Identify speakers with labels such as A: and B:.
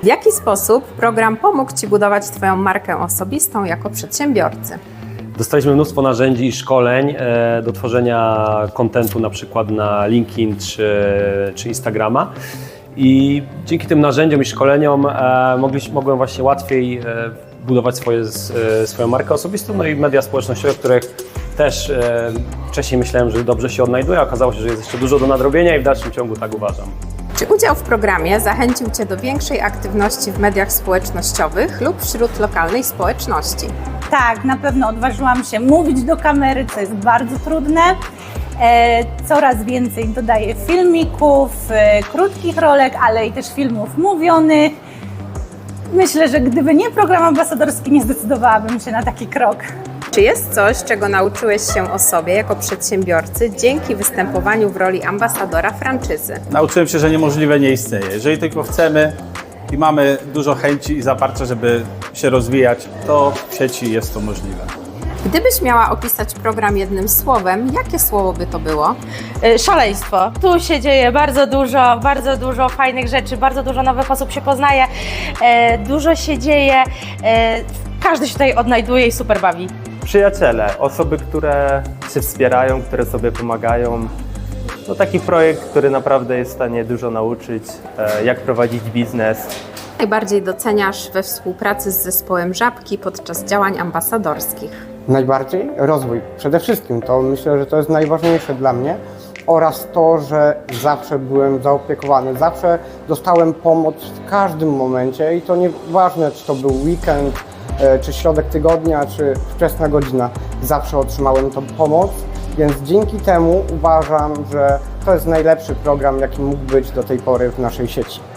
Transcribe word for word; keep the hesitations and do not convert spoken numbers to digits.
A: W jaki sposób program pomógł Ci budować Twoją markę osobistą jako przedsiębiorcy?
B: Dostaliśmy mnóstwo narzędzi i szkoleń e, do tworzenia kontentu na przykład na LinkedIn czy, czy Instagrama. I dzięki tym narzędziom i szkoleniom e, mogliśmy, mogłem właśnie łatwiej e, budować swoje, e, swoją markę osobistą, no i media społecznościowe, w których też e, wcześniej myślałem, że dobrze się odnajduję, a okazało się, że jest jeszcze dużo do nadrobienia i w dalszym ciągu tak uważam.
A: Czy udział w programie zachęcił Cię do większej aktywności w mediach społecznościowych lub wśród lokalnej społeczności?
C: Tak, na pewno odważyłam się mówić do kamery, co jest bardzo trudne. E, coraz więcej dodaję filmików, e, krótkich rolek, ale i też filmów mówionych. Myślę, że gdyby nie program ambasadorski, nie zdecydowałabym się na taki krok.
A: Czy jest coś, czego nauczyłeś się o sobie jako przedsiębiorcy dzięki występowaniu w roli ambasadora franczyzy?
D: Nauczyłem się, że niemożliwe nie istnieje. Jeżeli tylko chcemy i mamy dużo chęci i zaparcia, żeby się rozwijać, to w sieci jest to możliwe.
A: Gdybyś miała opisać program jednym słowem, jakie słowo by to było?
E: Szaleństwo. Tu się dzieje bardzo dużo, bardzo dużo fajnych rzeczy, bardzo dużo nowych osób się poznaje, e, dużo się dzieje, e, każdy się tutaj odnajduje i super bawi.
F: Przyjaciele, osoby, które się wspierają, które sobie pomagają. To taki projekt, który naprawdę jest w stanie dużo nauczyć, e, jak prowadzić biznes.
A: Najbardziej doceniasz we współpracy z zespołem Żabki podczas działań ambasadorskich?
G: Najbardziej rozwój. Przede wszystkim to myślę, że to jest najważniejsze dla mnie oraz to, że zawsze byłem zaopiekowany, zawsze dostałem pomoc w każdym momencie i to nieważne, czy to był weekend, czy środek tygodnia, czy wczesna godzina, zawsze otrzymałem tą pomoc, więc dzięki temu uważam, że to jest najlepszy program, jaki mógł być do tej pory w naszej sieci.